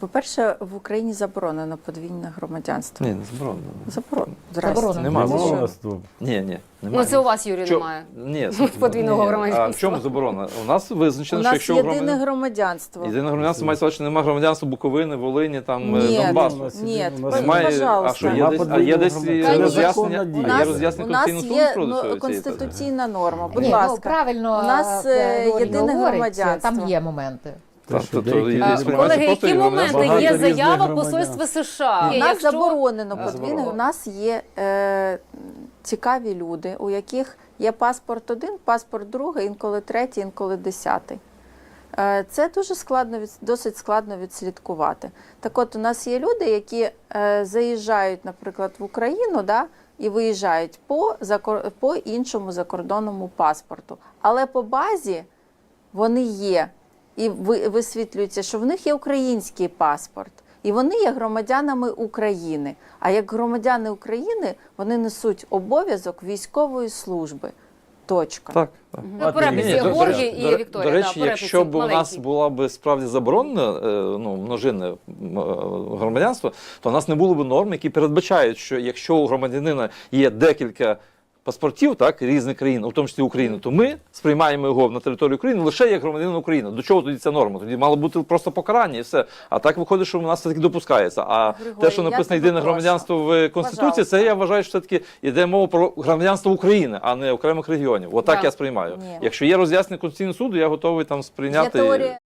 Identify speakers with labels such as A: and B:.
A: По-перше, в Україні заборонено подвійне громадянство.
B: Ні, не заборонено.
A: Заборонено.
B: Нема.
C: Громадянство.
B: Ні,
D: Ну, це у вас, Юрій, немає.
B: Ні,
D: Подвійного
B: ні.
D: громадянства.
B: А в чому заборона? У нас
A: У
B: визначено, що
A: нас
B: якщо
A: єдине громадянство.
B: єдине громадянство мається, що немає громадянства Буковини, Волині, там
A: Ні,
B: Донбасу.
A: ні,
B: Немає,
A: пожалуйста.
B: а що, є десь, а є десь
A: Конечно.
B: роз'яснення,
A: У
B: є
A: нас,
B: роз'яснення
A: у нас
B: Конституційного
A: є
B: суду щодо цієї
A: конституційна норма, будь
E: Ні, ну,
A: ласка.
E: правильно,
A: У нас, єдине
E: говорить,
A: громадянство.
E: Там є моменти.
D: Колеги, які моменти? Є
C: різних
D: заява
C: громадян.
D: посольства США.
A: У нас заборонено
B: Не
A: подвійне.
B: заборонено.
A: У нас є цікаві люди, у яких є паспорт один, паспорт другий, інколи третій, інколи 10. Це дуже складно, досить складно відслідкувати. Так от, у нас є люди, які заїжджають, наприклад, в Україну, да, і виїжджають по іншому закордонному паспорту. Але по базі вони є. І висвітлюється, що в них є український паспорт. І вони є громадянами України. А як громадяни України, вони несуть обов'язок військової служби. Точка.
B: Так.
D: На переписі
B: Ні,
D: Георгій і Вікторія.
B: До речі,
D: да,
B: якщо б у нас
D: маленький.
B: була б справді заборонена множинне громадянство, то у нас не було б норм, які передбачають, що якщо у громадянина є декілька паспортів, так, різних країн, у тому числі України, то ми сприймаємо його на територію України лише як громадянин України. До чого тоді ця норма? Тоді мало бути просто покарання і все. А так виходить, що у нас все-таки допускається. А
A: Григорій,
B: те, що
A: я
B: написано
A: тебе
B: єдине
A: прошу.
B: громадянство в Конституції,
A: Пожалуйста.
B: це я вважаю, що все-таки йде мова про громадянство України, а не окремих регіонів. Отак
D: Так.
B: я сприймаю.
A: Ні.
B: Якщо є роз'яснення Конституційного суду, я готовий там
A: Є
B: сприйняти.
A: теорія